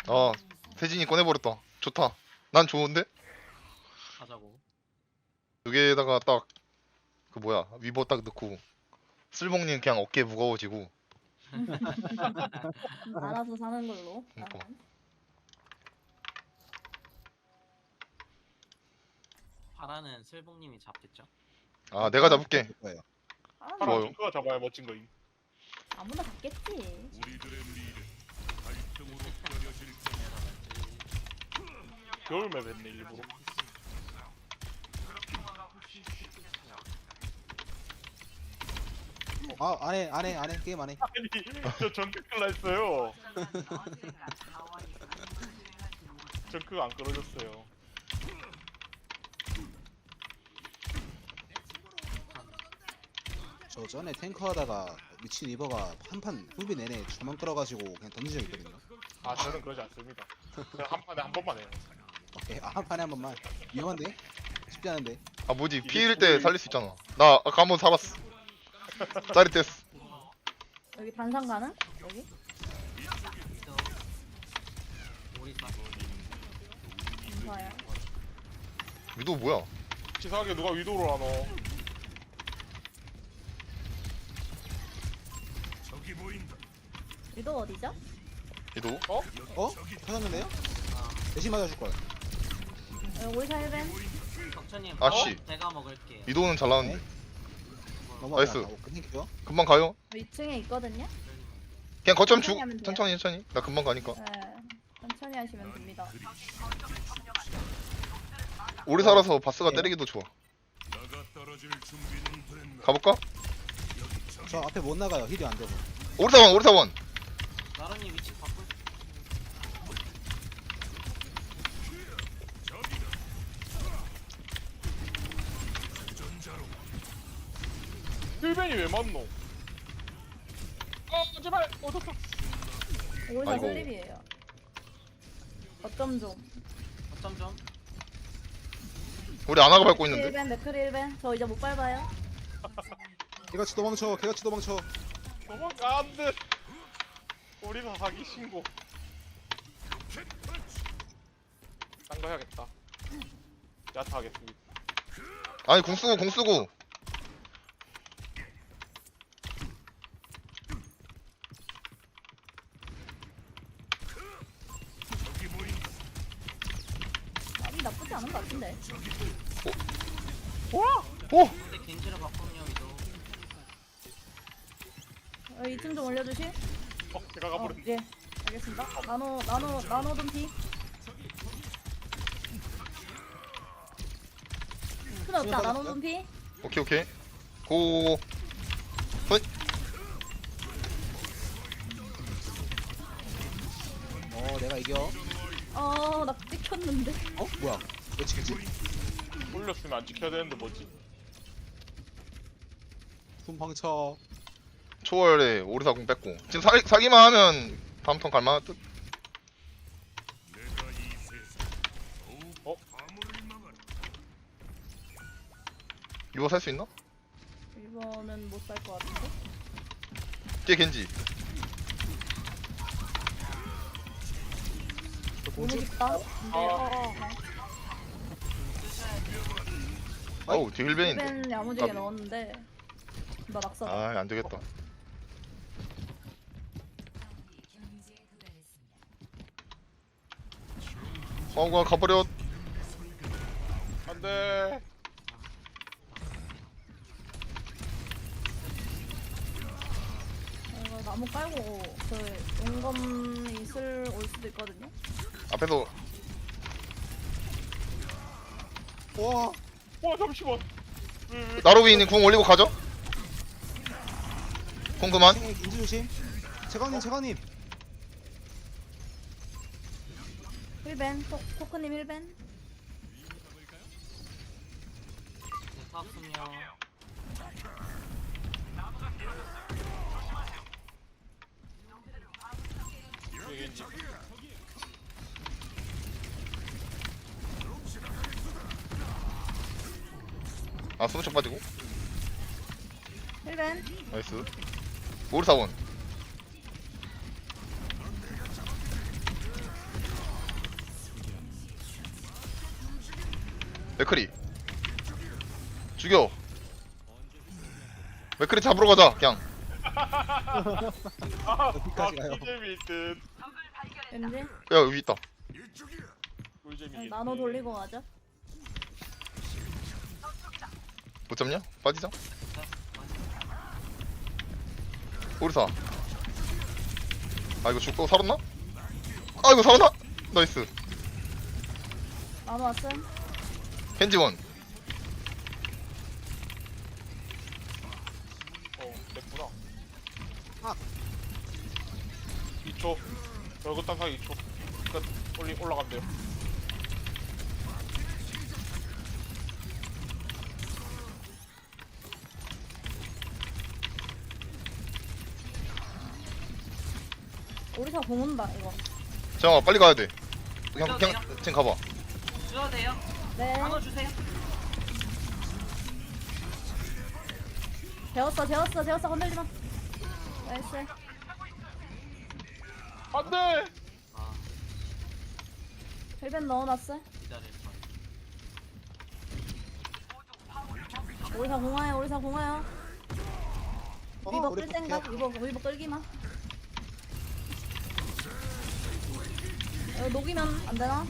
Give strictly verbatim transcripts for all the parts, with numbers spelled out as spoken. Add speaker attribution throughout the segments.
Speaker 1: 아 세진이 꺼내버렸다. 좋다. 난 좋은데?
Speaker 2: 하자고.
Speaker 1: 여기에다가 딱 그 뭐야 위버 딱 넣고 쓸먹님 그냥 어깨 무거워지고.
Speaker 3: 알아서 사는 걸로.
Speaker 1: 그러니까.
Speaker 3: 나는.
Speaker 2: 파라는 슬봉님이 잡겠죠?
Speaker 1: 아 내가 잡을게.
Speaker 4: 거예요.
Speaker 3: 아,
Speaker 1: 좋아요.
Speaker 3: 뭐
Speaker 5: 파라 그거 잡아야 멋진 거임.
Speaker 3: 아무나 잡겠지.
Speaker 5: 겨울맵 했네 일부러.
Speaker 4: 아 안해 안해 안해 게임 안해.
Speaker 5: 아니 저 전극클라 했어요. 전극 안 끌어졌어요.
Speaker 4: 저 전에 탱커 하다가 미친 리버가 한 판 후비 내내 저만 끌어가지고 그냥 던진 적 있거든요.
Speaker 5: 아 저는 그러지 않습니다. 그냥 한 판에 한 번만 해요.
Speaker 4: 오케이 아, 한 판에 한 번만. 위험한데? 쉽지 않은데.
Speaker 1: 아 뭐지 피일 때 살릴 수 있잖아. 나 아까 한 번 살았어. 짜릿했어.
Speaker 3: 여기 단상 가는? 여기?
Speaker 2: 오리사.
Speaker 3: 좋아요.
Speaker 1: 위도 뭐야?
Speaker 5: 치사하게 누가 위도를 하노?
Speaker 3: 위도 어디죠?
Speaker 1: 위도?
Speaker 4: 어? 터졌는데요? 대신 맞아줄 걸.
Speaker 3: 여기 오리사 힐벤.
Speaker 2: 덕천님.
Speaker 1: 아씨.
Speaker 2: 어? 제가 먹을게요.
Speaker 1: 위도는 잘 나왔는데. 나이스.
Speaker 4: 넘어가고 끝낼게요.
Speaker 1: 금방 가요.
Speaker 3: 이 층에 있거든요.
Speaker 1: 그냥 거점 주.
Speaker 3: 천천히 하면 돼요.
Speaker 1: 천천히 천천히. 나 금방 가니까.
Speaker 3: 네. 천천히 하시면 됩니다.
Speaker 1: 오래 살아서 바스가 때리기도 좋아. 가볼까?
Speaker 4: 저 앞에 못 나가요. 힐이 안 되고.
Speaker 1: 오리사원 오리사원.
Speaker 2: 나른님 위치 바꿀.
Speaker 5: 힐벤이 왜 맞노? 아 제발 얻었다.
Speaker 3: 오리사
Speaker 1: 아이고.
Speaker 3: 슬립이에요. 어쩜 좀.
Speaker 2: 어쩜 좀.
Speaker 1: 우리 아나가 밟고 있는데.
Speaker 3: 힐벤, 맥크리 힐벤. 저 이제 못 밟아요.
Speaker 4: 개같이 도망쳐. 개같이 도망쳐.
Speaker 5: 도망가 안돼. 우리는 사기 신고. 딴 거 해야겠다. 야타 하겠습니다.
Speaker 1: 아니 공 쓰고 공 쓰고.
Speaker 3: 아니 나쁘지 않은 것 같은데.
Speaker 1: 오.
Speaker 2: 근데 겐지로 바꾸면 위도.
Speaker 3: 어, 이층 좀 올려주시.
Speaker 5: 어 제가
Speaker 3: 어,
Speaker 5: 가버렸네.
Speaker 3: 예. 알겠습니다. 나노 나노 나노 둠피. 큰 없다. 나노 둠피.
Speaker 1: 오케이 오케이. 고. 헛.
Speaker 4: 어 내가 이겨.
Speaker 3: 어, 나 찍혔는데.
Speaker 4: 어? 뭐야? 왜 지겠지?
Speaker 5: 올렸으면 안 지켜야 되는데 뭐지?
Speaker 4: 숨방쳐.
Speaker 1: 초월에 오리사 공 뺐고. 지금 사, 사기만 하면 다음 턴 갈만한 듯.
Speaker 5: 어?
Speaker 1: 이거 살 수 있나?
Speaker 3: 이번은 못 살 것 같은데.
Speaker 1: 뒤에 겐지.
Speaker 3: 너무 깊다. 근데 어, 어.
Speaker 1: 아우 뒤에 힐벤인데.
Speaker 3: 힐벤 야무지게
Speaker 1: 아.
Speaker 3: 넣었는데 나 낙사.
Speaker 1: 아 안되겠다. 어우가 가버려.
Speaker 5: 안돼.
Speaker 3: 이거 나무 깔고 그 용검이 있을 올 수도 있거든요.
Speaker 1: 앞에서
Speaker 4: 와.
Speaker 5: 와 잠시만. 왜, 왜,
Speaker 1: 나로비님 궁 올리고 가죠. 궁 그만.
Speaker 4: 탱에 긴지 조심. 재광님 재광님.
Speaker 3: 힐벤 토, 토크님 힐벤.
Speaker 2: 네, 사업 승려.
Speaker 5: 왜, 겐지.
Speaker 1: 아 수무척 빠지고.
Speaker 3: 힐벤.
Speaker 1: 나이스. 오리사원. 맥크리 죽여. 맥크리 잡으러 가자 그냥.
Speaker 5: 아,
Speaker 4: 어디까지 가요?
Speaker 5: 꿀잼일 듯.
Speaker 3: 왠지?
Speaker 1: 야 여기 있다.
Speaker 5: 꿀잼이겠지.
Speaker 3: 나노 돌리고 가자.
Speaker 1: 못 잡냐? 빠지자. 오리사. 아 이거 죽고 살았나? 아 이거 살았나? 나이스.
Speaker 3: 나노 왔음.
Speaker 1: 켄지원.
Speaker 5: 어, 됐구나.
Speaker 4: 아.
Speaker 5: 이 초. 얼굴 딴 사이 이 초. 끝. 올리 올라간대요.
Speaker 3: 우리사 공 온다 이거.
Speaker 1: 잠깐만 빨리 가야 돼. 그냥 그냥 지금 가봐.
Speaker 2: 주셔도 돼요.
Speaker 3: 네.
Speaker 2: 나눠 주세요.
Speaker 3: 재웠어 재웠어 재웠어 건들지 마. 나이스.
Speaker 5: 안 돼!
Speaker 2: 아
Speaker 3: 헬벤 넣어놨어.
Speaker 2: 기다릴 거.
Speaker 3: 우리사 공화요 우리사 공화요.
Speaker 4: 어,
Speaker 3: 위버
Speaker 4: 우리
Speaker 3: 끌 생각.
Speaker 4: 볼게요.
Speaker 3: 위버 위버 끌기 마. 어, 녹이면 안 되나?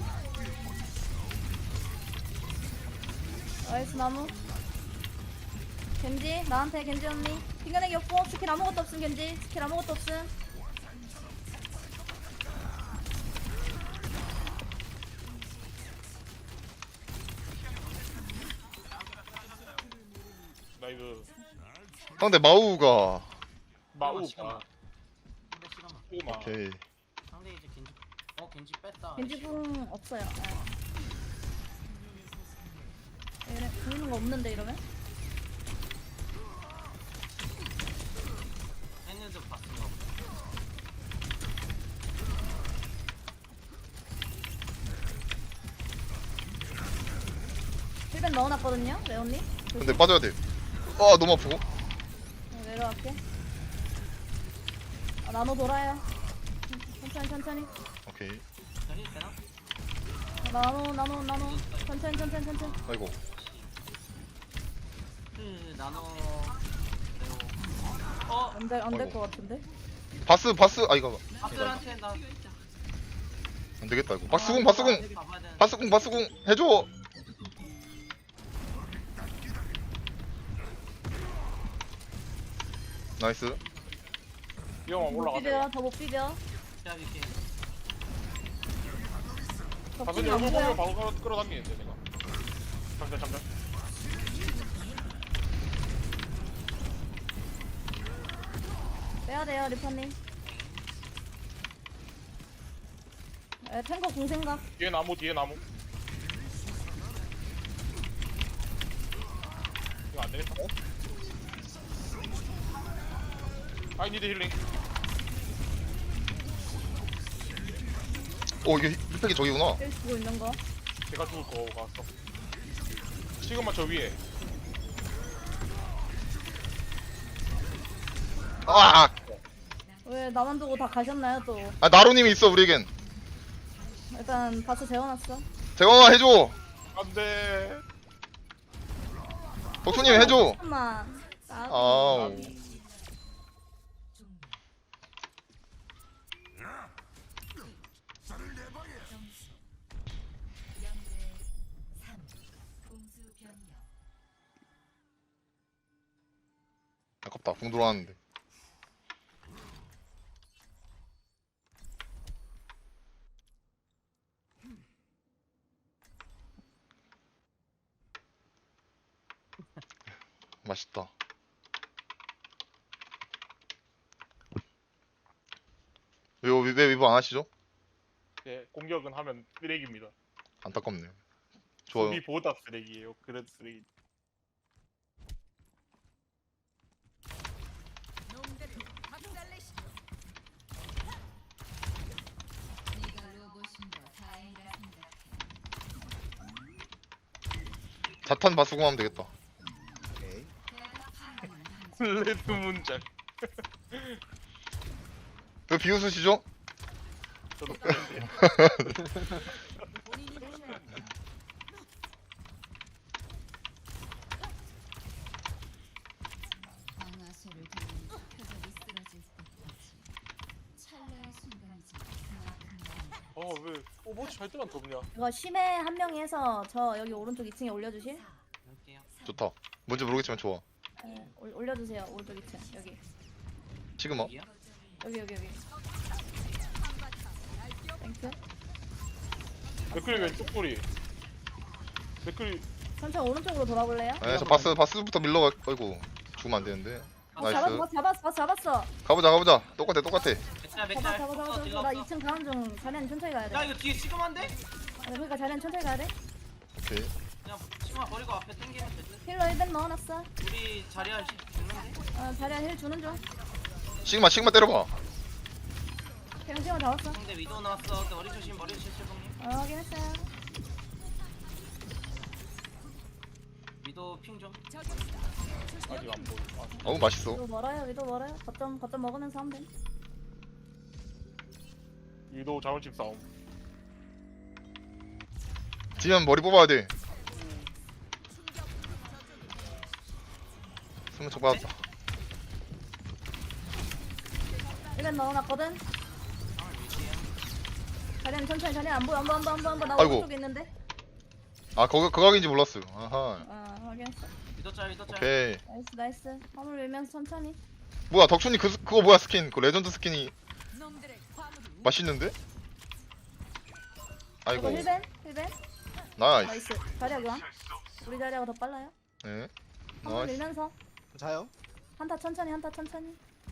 Speaker 3: 나이스 나무. 겐지 나한테 겐지 언니. 핑계내기 없고 스킬 아무것도 없음 겐지. 스킬 아무것도 없음.
Speaker 5: 나이스.
Speaker 1: 상대 마우가.
Speaker 5: 마우가.
Speaker 2: 근데 시간만.
Speaker 5: 우마.
Speaker 1: 오케이.
Speaker 2: 상대 이제 겐지. 어 겐지 뺐다.
Speaker 3: 겐지 궁 없어요. 네. 이래 보이는 거 없는데 이러면?
Speaker 2: 했는데 봤은가 보다.
Speaker 3: 힐벤 넣어놨거든요, 레온님.
Speaker 1: 근데 빠져야 돼. 아 너무 아프고.
Speaker 3: 네, 내려갈게. 아, 나노 돌아요. 천천히 천천히.
Speaker 1: 오케이.
Speaker 2: 전이 되나?
Speaker 3: 아, 나노 나노 나노. 천천히 천천히 천천히.
Speaker 1: 아이고.
Speaker 2: 그 나눠. 그리고 어
Speaker 3: 안될 안 될
Speaker 1: 아이고.
Speaker 3: 것 같은데.
Speaker 1: 바스 바스 아 이거
Speaker 2: 아들한테 나.
Speaker 1: 안 되겠다 이거. 바스궁 바스궁
Speaker 2: 가봐야 되는데.
Speaker 1: 바스궁 바스궁 해줘. 나이스.
Speaker 5: 이 형아
Speaker 3: 못
Speaker 5: 올라가네.
Speaker 3: 비벼 더 못 비벼.
Speaker 2: 제가 이렇게
Speaker 5: 가슴이
Speaker 3: 덕분이 안
Speaker 5: 얼굴 보면
Speaker 3: 보여.
Speaker 5: 바로 끌어- 끌어당기는데 내가. 잠깐 잠깐.
Speaker 3: 빼야 돼요 리퍼님. 에 탱커 공 생각.
Speaker 5: 뒤에 나무 뒤에 나무. 이거 안 되겠다. I need healing.
Speaker 1: 오 이게 힐팩이 저기구나.
Speaker 3: 힐 주고 있는 거.
Speaker 5: 제가 죽을 거 같어. 지금만 저 위에.
Speaker 1: 아,
Speaker 3: 왜 나만 두고 다 가셨나요 또?
Speaker 1: 아 나로님이 있어 우리에겐.
Speaker 3: 일단 바스 재워놨어.
Speaker 1: 재광아 해줘.
Speaker 5: 안돼.
Speaker 1: 덕수님 해줘.
Speaker 3: 잠깐만. 나
Speaker 1: 아우. 아깝다. 궁 들어왔는데. 맛있다. 왜, 왜, 왜 위브 안 하시죠?
Speaker 5: 네, 공격은 하면 쓰레기입니다.
Speaker 1: 안타깝네요. 좋아요.
Speaker 5: 수비보다 쓰레기예요. 그래도 쓰레기.
Speaker 1: 자탄 바스공 하면 되겠다.
Speaker 4: 오케이.
Speaker 5: 레드 문장.
Speaker 1: 왜 비웃으시죠?
Speaker 5: 저도 그랬는데. 왜 오버워치 할 때만 덥냐?
Speaker 3: 이거 심해 한 명이 해서 저 여기 오른쪽 이 층에 올려주실?
Speaker 2: 할게요.
Speaker 1: 좋다. 뭔지 모르겠지만 좋아.
Speaker 3: 네, 올, 올려주세요. 오른쪽 이 층. 여기.
Speaker 1: 시그마.
Speaker 2: 여기요?
Speaker 3: 여기 여기 여기. 땡큐.
Speaker 5: 맥클리 왼쪽 꼬리. 맥클리
Speaker 3: 천천히 오른쪽으로 돌아볼래요?
Speaker 1: 네, 저 바스 바스부터 밀러 가. 아이고 죽으면 안 되는데.
Speaker 3: 어,
Speaker 1: 나이스.
Speaker 3: 잡았어, 잡았어, 잡았어.
Speaker 1: 가보자 가보자. 똑같아 똑같아.
Speaker 2: 맥달
Speaker 3: 잡아,
Speaker 2: 맥달.
Speaker 3: 잡아, 잡아,
Speaker 2: 어,
Speaker 3: 잡아.
Speaker 2: 딜렀어.
Speaker 3: 나 이 층 가는 중. 자리는 천천히 가야 돼.
Speaker 2: 야 이거 뒤에 시그마인데?
Speaker 3: 아, 그러니까 자리는 천천히 가야 돼.
Speaker 1: 오케이.
Speaker 2: 그냥 시그마 버리고 앞에 당기면 되지.
Speaker 3: 힐러 일 벤 넣어놨어.
Speaker 2: 우리 자리야 시- 죽는데?
Speaker 3: 어, 자리야 힐 주는 중.
Speaker 1: 시그마 시그마 때려봐.
Speaker 3: 그냥 시간 잡았어.
Speaker 2: 상대 위도 나왔어. 근데 머리 조심 머리 조심 형님.
Speaker 3: 어, 확인했어요.
Speaker 2: 위도 핑 좀.
Speaker 5: 아직 안 보여. 아,
Speaker 1: 어우 맛있어.
Speaker 3: 위도 멀어요, 위도 멀어요. 거점, 거점 먹으면서 하면 돼.
Speaker 5: 유도 자원집 싸움.
Speaker 1: 지면 머리 뽑아야 돼. 숨은 척 받았다.
Speaker 3: 일 벤 넣어놨거든.
Speaker 2: 상을 위치해.
Speaker 3: 자리는 천천히, 자리 안 보여, 안 보여, 안 보여, 안 보여, 안 보여. 나
Speaker 1: 아이고.
Speaker 3: 오른쪽에 있는데.
Speaker 1: 아 거기 그 각인지 몰랐어. 아하.
Speaker 3: 어, 확인했어.
Speaker 2: 위도 짤 위도 짤.
Speaker 1: 오케이.
Speaker 3: 나이스, 나이스. 화물 밀면서 천천히.
Speaker 1: 뭐야 덕춘이 그 스- 그거 뭐야 스킨? 그 레전드 스킨이 맛있는데?
Speaker 3: 이거
Speaker 1: 아이고
Speaker 3: 힐 벤, 힐 벤.
Speaker 1: 나이스.
Speaker 3: 나이스. 자리야 교환. 우리 자리야가 더 빨라요.
Speaker 1: 네.
Speaker 3: 화물
Speaker 1: 나이스.
Speaker 3: 밀면서
Speaker 4: 자요?
Speaker 3: 한타 천천히, 한타 천천히.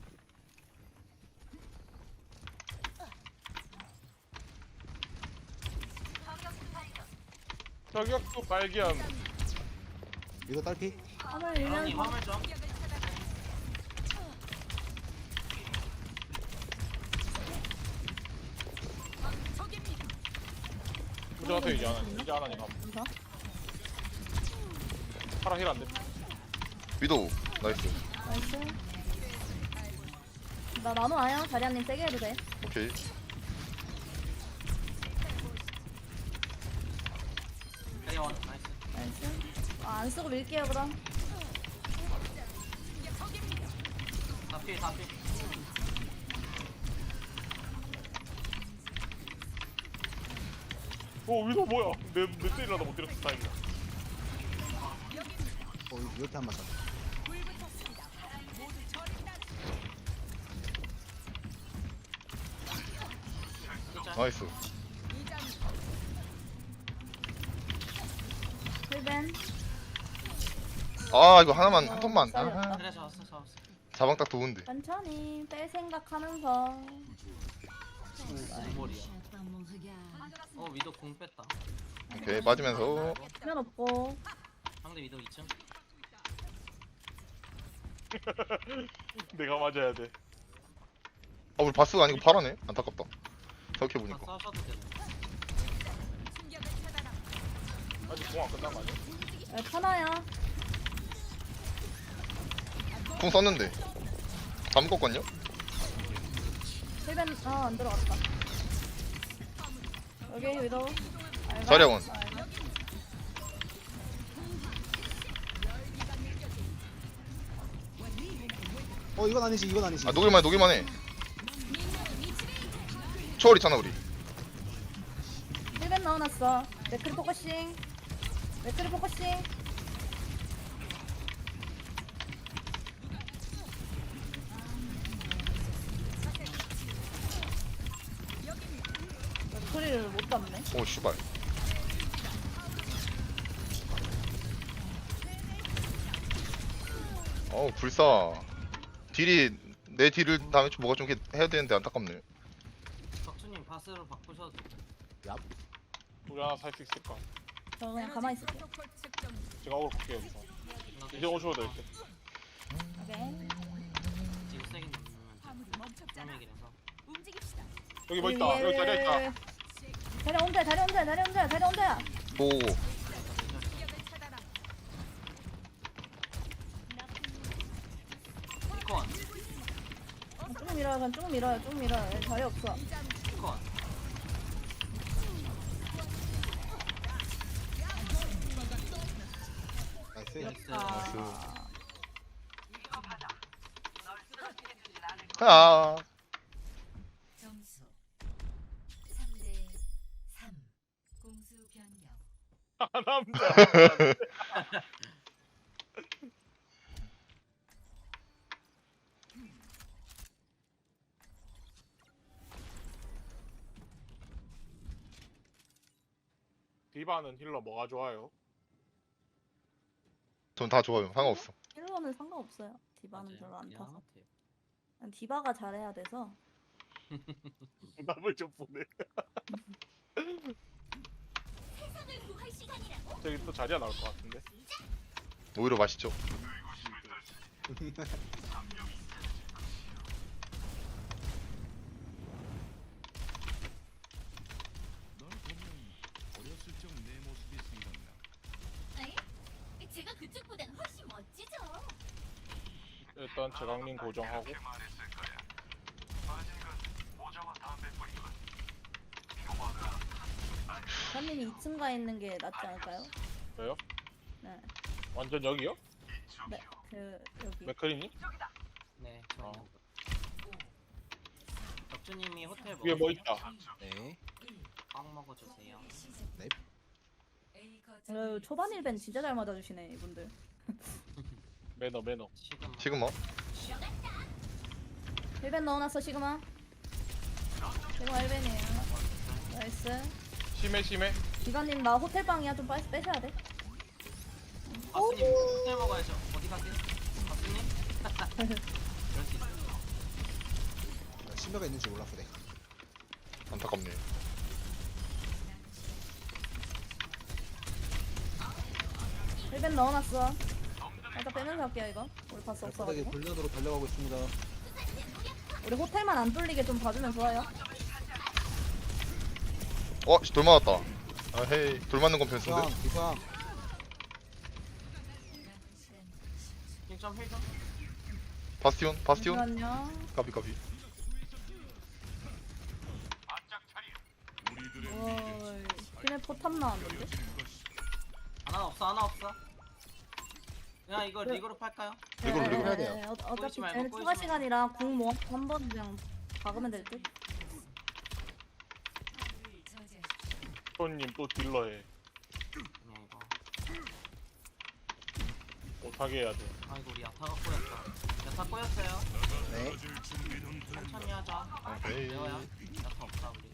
Speaker 5: 저격도 발견.
Speaker 4: 이거 딸피?
Speaker 3: 화물
Speaker 2: 형님
Speaker 3: 밀면서.
Speaker 2: 화물 좀.
Speaker 5: 문제 같아 이제 안 하니. 이제 안 하니 가.
Speaker 3: 여기서.
Speaker 5: 파라 힐 안 돼.
Speaker 1: 위도우 나이스.
Speaker 3: 나이스. 나 나노 아야. 자리야님 세게 해도 돼.
Speaker 1: 오케이.
Speaker 2: 대원 나이스.
Speaker 3: 나이스. 아, 안 쓰고 밀게요 그럼.
Speaker 2: 다필 다필.
Speaker 5: 오 위도 뭐야? 내내 때리려다 못 때렸어 다행이다.
Speaker 4: 어 이렇게 한 맞았다.
Speaker 2: 위도 짤.
Speaker 1: 나이스.
Speaker 3: 힐 벤.
Speaker 1: 아 이거 하나만 한 턴만. 아,
Speaker 2: 그래 잡았어 잡았어.
Speaker 1: 자방 딱 좋은데.
Speaker 3: 천천히 뺄 생각하면서.
Speaker 2: 머리야. 어 위도 공 뺐다.
Speaker 1: 오케이 빠지면서.
Speaker 3: 수면 없고.
Speaker 2: 상대 위도 이 층.
Speaker 5: 내가 맞아야 돼.
Speaker 1: 아 우리 바스가 아니고 파라네. 안타깝다. 생각해
Speaker 2: 다
Speaker 1: 보니까.
Speaker 2: 싸우셔도 되네.
Speaker 5: 아직 공 안 끝난 거 아니야?
Speaker 3: 야, 편하야.
Speaker 1: 궁 썼는데. 다 묶었거든요.
Speaker 3: 힐 벤. 어, 안 들어갔다. 여기 위도. 알가?
Speaker 1: 자리야원.
Speaker 3: 알가?
Speaker 4: 어 이건 아니지 이건 아니지.
Speaker 1: 아 녹일만해 녹일만해. 초월 있잖아 우리.
Speaker 3: 힐 벤 넣어놨어. 매크리 포커싱. 매크리 포커싱. 소리를 못 잡네.
Speaker 1: 오 씨발. 어우 불사. 딜이 내 딜을 다음에 좀 뭐가 좀 이렇게 해야 되는데 안타깝네.
Speaker 2: 덕수님 바스로 바꾸셔도 돼.
Speaker 5: 우리 하나 살 수 있을까?
Speaker 3: 저 그냥 가만히 있을게.
Speaker 5: 제가 오늘 볼게요 여기서.
Speaker 2: 나도
Speaker 5: 이제 오셔도 될 듯.
Speaker 3: 오케이.
Speaker 2: 지금 세게 누르면 돼. 얘기라서.
Speaker 5: 여기 뭐 있다. 여기 자리야 있다.
Speaker 3: 자리 혼자, 자리 혼자, 자리 혼자, 자리 혼자.
Speaker 1: 보고.
Speaker 2: 이콘
Speaker 3: 쭉 밀어요, 그냥 쭉 밀어요, 쭉 밀어요. 여기 자리 없어.
Speaker 2: 이콘.
Speaker 4: 나이스.
Speaker 2: 나이스.
Speaker 3: 아,
Speaker 1: 아.
Speaker 6: 점수 삼 대
Speaker 5: 아 남자. 디바는 힐러 뭐가 좋아요?
Speaker 1: 전 다 좋아요. 상관없어.
Speaker 3: 힐러는 상관없어요. 디바는
Speaker 2: 맞아요.
Speaker 3: 별로 안
Speaker 2: 그냥
Speaker 3: 타서.
Speaker 2: 같아요.
Speaker 3: 그냥 디바가 잘해야 돼서.
Speaker 5: 남을 좀 보내. 저기 또 자리가 나올 것 같은데.
Speaker 1: 오히려 맛있죠.
Speaker 6: 제가 그쪽보단 훨씬 멋지죠.
Speaker 5: 일단 제강님 고정하고.
Speaker 3: 현님이 이 층 가 있는 게 낫지 않을까요?
Speaker 5: 왜요?
Speaker 3: 네.
Speaker 5: 완전 여기요?
Speaker 3: 네. 그 여기.
Speaker 5: 맥크리님?
Speaker 2: 네, 저
Speaker 5: 어.
Speaker 2: 있는 거. 덕주님이 호텔
Speaker 5: 위에 뭐
Speaker 2: 먹으세요?
Speaker 5: 있다.
Speaker 4: 네.
Speaker 2: 빵 먹어주세요.
Speaker 4: 네.
Speaker 3: 어, 초반 일벤 진짜 잘 맞아주시네 이분들.
Speaker 5: 매너 매너.
Speaker 2: 시그마.
Speaker 1: 시그마.
Speaker 3: 일벤 넣어놨어 시그마. 시그마 일벤이에요. 나이스.
Speaker 5: 심해 심해.
Speaker 3: 기관님 나 호텔방이야 좀 빨리 빼셔야 돼.
Speaker 2: 가수님 호텔 먹어야죠. 어디 가세요? 가수님? 그럴 수 있어요.
Speaker 4: 신뢰가 있는지 몰랐어 내가.
Speaker 1: 안타깝네.
Speaker 3: 일벤 넣어놨어. 일단 빼면서 할게요 이거. 우리 바스
Speaker 4: 바닥에
Speaker 3: 없어가지고.
Speaker 4: 골련으로 달려가고 있습니다.
Speaker 3: 우리 호텔만 안 뚫리게 좀 봐주면 좋아요.
Speaker 1: 어, 씨, 돌 맞았다. 아, 헤이. 돌 맞는 건
Speaker 4: 기상
Speaker 1: 변수인데.
Speaker 4: 기상.
Speaker 2: 힐점 힐점.
Speaker 1: 바스티온, 바스티온.
Speaker 3: 잠시만요.
Speaker 1: 까비, 까비.
Speaker 3: 어이. 팀에 포탑 나왔는데?
Speaker 2: 하나 없어 하나 없어. 야 이거
Speaker 3: 네.
Speaker 2: 리그로 팔까요?
Speaker 1: 이걸로, 이걸로
Speaker 4: 해야 돼요.
Speaker 3: 네, 어, 어차피
Speaker 2: 꼬이지 말고,
Speaker 3: 쟤는
Speaker 2: 꼬이지
Speaker 3: 추가
Speaker 2: 말고.
Speaker 3: 시간이라 궁 모아 한번 그냥 박으면 될 듯?
Speaker 5: 손님 또 딜러해.
Speaker 2: 그냥 이거.
Speaker 5: 못하게 해야 돼.
Speaker 2: 아이고 우리 야타가 꼬였어. 야타 꼬였어요.
Speaker 4: 네.
Speaker 2: 천천히 하자.
Speaker 1: 오케이.
Speaker 2: 레어야. 야타 없다 우리.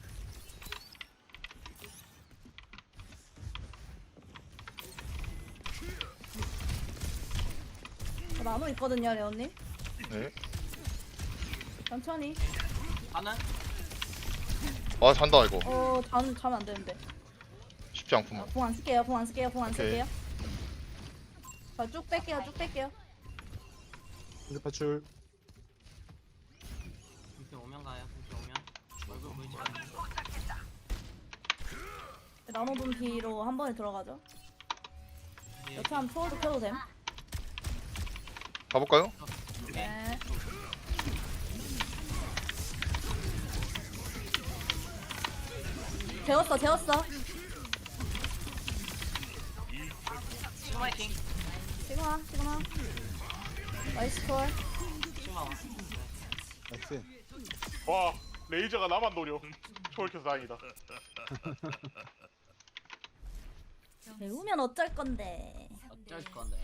Speaker 3: 저 나노 있거든요 레온님.
Speaker 1: 네.
Speaker 3: 천천히.
Speaker 2: 하는?
Speaker 1: 아, 잔다, 이거.
Speaker 3: 어 자면 자면 안 되는데.
Speaker 1: 쉽지 않구만.
Speaker 3: 궁 안 쓸게요. 궁 안 쓸게요. 궁 안
Speaker 1: 오케이.
Speaker 3: 쓸게요. 자쭉 뺄게요. 쭉 뺄게요.
Speaker 4: 인급 파출.
Speaker 2: 분필 오면 가요. 분필 오면. 얼굴 보이지 말고.
Speaker 3: 나노 분피로 한 번에 들어가죠.
Speaker 2: 여기,
Speaker 3: 여차하면 초월도 켜도 됨.
Speaker 1: 가볼까요?
Speaker 2: 여기.
Speaker 3: 네. 재웠어 재웠어.
Speaker 2: 시그마 화이팅.
Speaker 3: 시그마 시그마. 나이스 콜.
Speaker 2: 시그마 와.
Speaker 4: 나이스.
Speaker 5: 와 레이저가 나만 노려. 초월켜서 다행이다.
Speaker 3: 배우면 어쩔 건데.
Speaker 2: 어쩔 건데.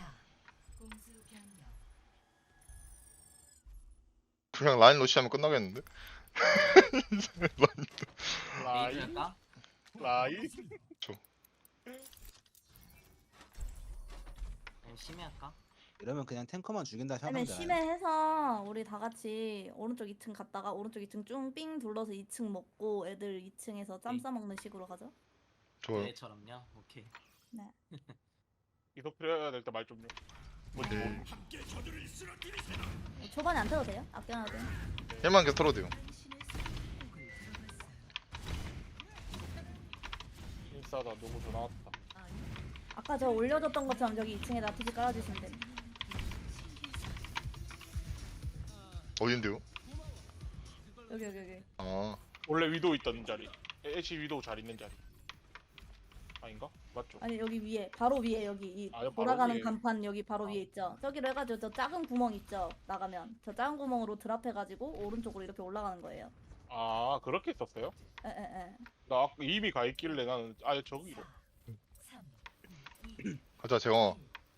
Speaker 1: 그냥 라인 러시하면 끝나겠는데?
Speaker 5: 라이
Speaker 2: 레이저 할까?
Speaker 5: 라이.
Speaker 2: 아니면 심해 할까?
Speaker 4: 이러면 그냥 탱커만 죽인다
Speaker 3: 아니면
Speaker 4: 생각하면
Speaker 3: 심해해서 우리 다 같이 오른쪽 이 층 갔다가 오른쪽 이 층 쭉 삥 둘러서 이 층 먹고 애들 이 층에서 짬
Speaker 2: 네.
Speaker 3: 싸먹는 식으로 가죠.
Speaker 1: 좋아요.
Speaker 2: 얘처럼요. 오케이.
Speaker 5: 이속 필요해야 될 때 말 좀요. 뭔지
Speaker 1: 네.
Speaker 5: 모르.
Speaker 3: 초반에 안 타도 돼요? 아껴놔도 돼요?
Speaker 1: 힐만 계속 털어도 돼요.
Speaker 5: 인싸다 누구 도 나왔다.
Speaker 3: 아까 저 올려줬던 것처럼 저기 이 층에 나티지 깔아주시면 됩니다.
Speaker 1: 어딘데요?
Speaker 3: 여기 여기 여기.
Speaker 1: 아,
Speaker 5: 원래 위도우 있던 자리. 애쉬 위도우 잘 있는 자리. 아닌가? 맞죠?
Speaker 3: 아니 여기 위에 바로 위에 여기 이
Speaker 5: 아, 여기 바로
Speaker 3: 돌아가는
Speaker 5: 위에.
Speaker 3: 간판 여기 바로
Speaker 5: 아.
Speaker 3: 위에 있죠. 저기로 해가지고 저 작은 구멍 있죠. 나가면 저 작은 구멍으로 드랍해가지고 오른쪽으로 이렇게 올라가는 거예요.
Speaker 5: 아 그렇게 있었어요?
Speaker 3: 에에에.
Speaker 5: 나 아까 이미 가 있길래 나는 아예 저기로.
Speaker 1: 가자 재영아.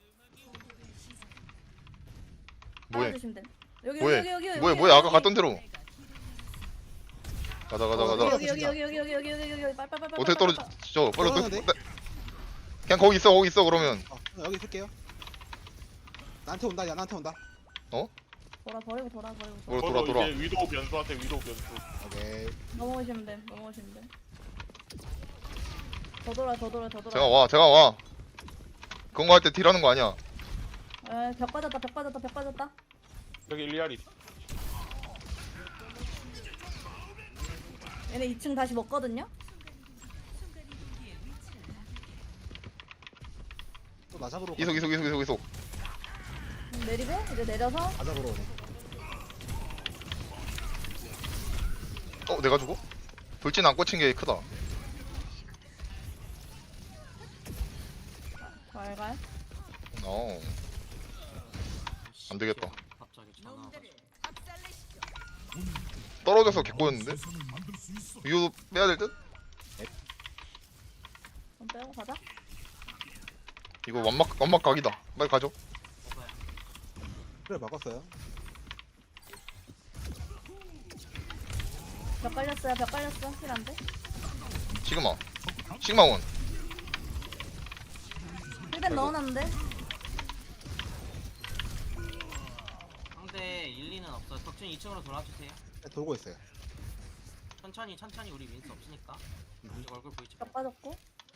Speaker 1: 뭐해?
Speaker 3: 따라주시면 돼. 여기
Speaker 1: 뭐해?
Speaker 3: 여기 여기 여기
Speaker 1: 뭐해
Speaker 3: 여기,
Speaker 1: 뭐해 아까
Speaker 3: 여기.
Speaker 1: 갔던 대로. 가자 가자
Speaker 4: 어,
Speaker 1: 가자.
Speaker 3: 여기 여기 여기 여기 여기 여기 여기 여기 여기 빨빨빨빨.
Speaker 1: 어떻게 떨어지죠? 빨리 그,
Speaker 4: 떨어졌는데?
Speaker 1: 그냥 거기 있어 거기 있어 그러면.
Speaker 4: 어, 여기 있을게요. 나한테 온다. 야 나한테 온다.
Speaker 3: 돌아 버리고 돌아 버리고
Speaker 1: 돌아
Speaker 3: 돌아.
Speaker 1: 돌아
Speaker 5: 저도
Speaker 1: 돌아.
Speaker 5: 이제 위도우 변수한테 위도우 변수.
Speaker 4: 오케이.
Speaker 3: 넘어오시면 돼. 넘어오시면 돼. 더 돌아 더 돌아 더 돌아.
Speaker 1: 제가 와 제가 와. 그런 거 할 때 딜하는 거 아니야.
Speaker 3: 에, 벽 빠졌다 벽 빠졌다 벽 빠졌다.
Speaker 5: 여기 일리아리.
Speaker 3: 얘네 이 층 다시 먹거든요.
Speaker 4: 또 나 잡으러.
Speaker 1: 이속 이속 이속 이속 이속.
Speaker 3: 음, 내리고 이제 내려서
Speaker 4: 나 잡으러 오네.
Speaker 1: 어 내가 죽어? 돌진 안 꽂힌 게 크다.
Speaker 3: 갈갈.
Speaker 1: 어. 안 되겠다.
Speaker 2: 갑자기 전화 와가지고.
Speaker 1: 떨어져서 개꼬였는데? 이거 빼야 될 듯?
Speaker 3: 좀 빼고 가자.
Speaker 1: 이거 완막 완막 각이다. 빨리 가죠.
Speaker 2: 먹어야.
Speaker 4: 그래 바꿨어요.
Speaker 3: 벽 깔렸어요 벽 깔렸어. 힐 안 돼.
Speaker 1: 시그마. 시그마 원.
Speaker 3: 힐벤 넣어놨는데.
Speaker 2: 상대 일, 이는 없어. 덕준 이 층으로 돌아주세요.
Speaker 4: 네, 돌고 있어요.
Speaker 2: 천천히 천천히 우리 윈스 없으니까. 아직 얼굴 보이지 마.
Speaker 3: 벽 빠졌고.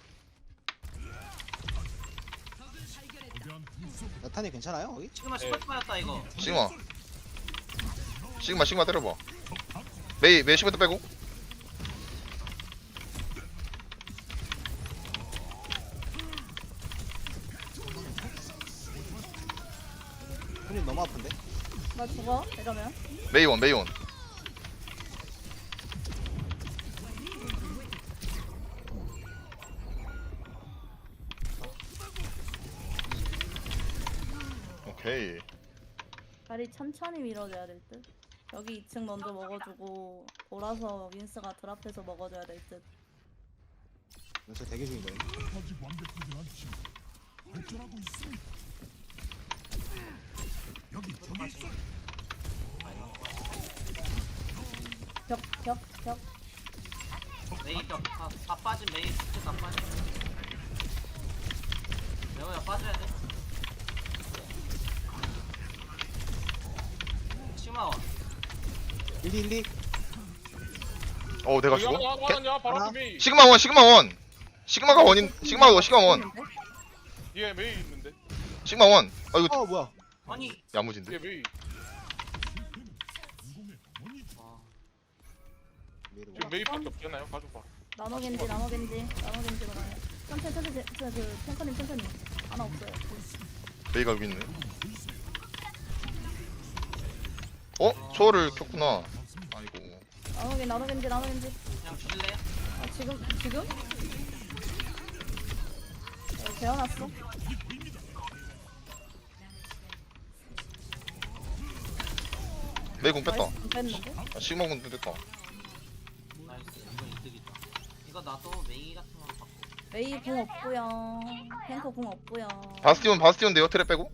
Speaker 4: 나탄이 괜찮아요 거기?
Speaker 2: 지금은 스포츠 빠졌다 이거.
Speaker 1: 시그마. 시그마 시그마 때려봐. 메이 메이 시그마 빼고.
Speaker 4: 손이 너무 아픈데?
Speaker 3: 나 죽어 이러면.
Speaker 1: 메이 원 메이 원. 오케이.
Speaker 3: 다리 천천히 밀어줘야 될 듯. 여기 이 층 먼저 먹어주고 돌아서 윈스가 드랍해서 먹어줘야 될 듯.
Speaker 4: 저 대기 중인 거예요.
Speaker 3: 벽 벽 벽.
Speaker 2: 메이 벽 다, 다 빠진 메이 스트 다 빠진. 레오야 빠져야 돼. 치마원.
Speaker 4: 일리 일리.
Speaker 1: 어 내가
Speaker 5: 여기
Speaker 1: 죽어?
Speaker 5: 하나
Speaker 1: 개-
Speaker 5: 하나냐 바로
Speaker 4: 하나?
Speaker 5: 앞에 메이.
Speaker 1: 시그마 원 시그마 원. 시그마가 원인 시그마가 시그마 원.
Speaker 5: 뒤에 메이 있는데.
Speaker 1: 시그마 원. 아 이거
Speaker 4: 어 뭐야?
Speaker 2: 아니.
Speaker 5: 뒤에
Speaker 1: 야무진데.
Speaker 5: 메이.
Speaker 2: 와.
Speaker 4: 메이를
Speaker 5: 지금 메이밖에 없잖아요. 가져봐.
Speaker 3: 나노겐지 나노겐지 나노겐지로 가요. 천천히 천천히 천천히 그 탱커님 천천히. 하나 없어요.
Speaker 1: 메이가 여기 있네. 어? 초월을 켰구나. 아이고.
Speaker 3: 나노겐 나노겐지 나노겐지.
Speaker 2: 그냥 주실래요?
Speaker 3: 아 지금 지금? 어, 재워놨어.
Speaker 1: 메이 공 뺐다.
Speaker 3: 나이스, 뺐는데?
Speaker 1: 아, 시그마 공 뺐다.
Speaker 2: 나이스. 이거 이득이다. 이거 나도 메이 같은 거 받고.
Speaker 3: 메이 궁 없고요. 탱커 궁 없고요.
Speaker 1: 바스티온 바스티온 네어 트랩 빼고.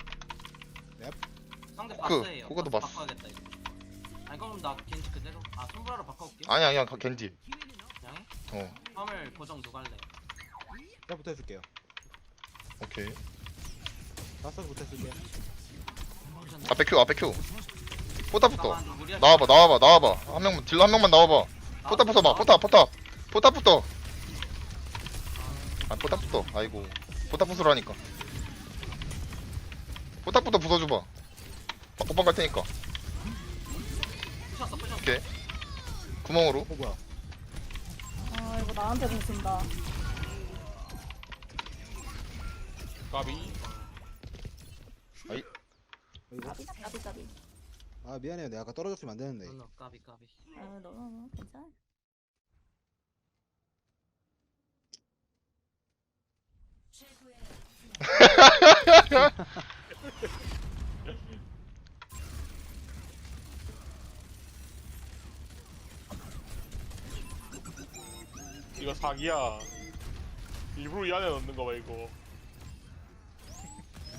Speaker 2: 상대
Speaker 1: 그,
Speaker 2: 바스예요.
Speaker 1: 그거도
Speaker 2: 바스
Speaker 1: 바스.
Speaker 2: 바꿔야겠다 이거. 아니 그럼 나 겐지 그대로. 아 손브라로 바꿔올게.
Speaker 1: 아니야 아니야 가- 겐지.
Speaker 2: 그냥 해?
Speaker 1: 어
Speaker 2: 화물 고정 누가 할래?
Speaker 4: 제가 붙어줄게요.
Speaker 1: 오케이.
Speaker 4: 다섯 붙어줄게요.
Speaker 1: 앞에 큐 앞에 큐. 포탑부터.
Speaker 2: 잠깐만, 좀 무리하지
Speaker 1: 나와봐
Speaker 2: 마.
Speaker 1: 나와봐 나와봐. 한 명만 딜러 한 명만 나와봐. 포탑 붙어봐 포탑 포탑. 포탑 붙어. 아 포탑 붙어. 아이고. 포탑 부수라니까. 포탑부터 부숴줘봐. 오빵 갈 테니까.
Speaker 2: 부셨어 부셨어.
Speaker 1: 오케이. 구멍으로.
Speaker 4: 어 뭐야?
Speaker 3: 아 이거 나한테 궁 쓴다.
Speaker 5: 까비.
Speaker 4: 이거?
Speaker 3: 까비 까비 까비.
Speaker 4: 아 미안해요. 내가 아까 떨어졌으면 안 되는데.
Speaker 2: 너너 까비 까비.
Speaker 3: 아 너무 너무 괜찮아.
Speaker 5: 이거 사기야. 일부러 이 안에 넣는 거 봐 이거.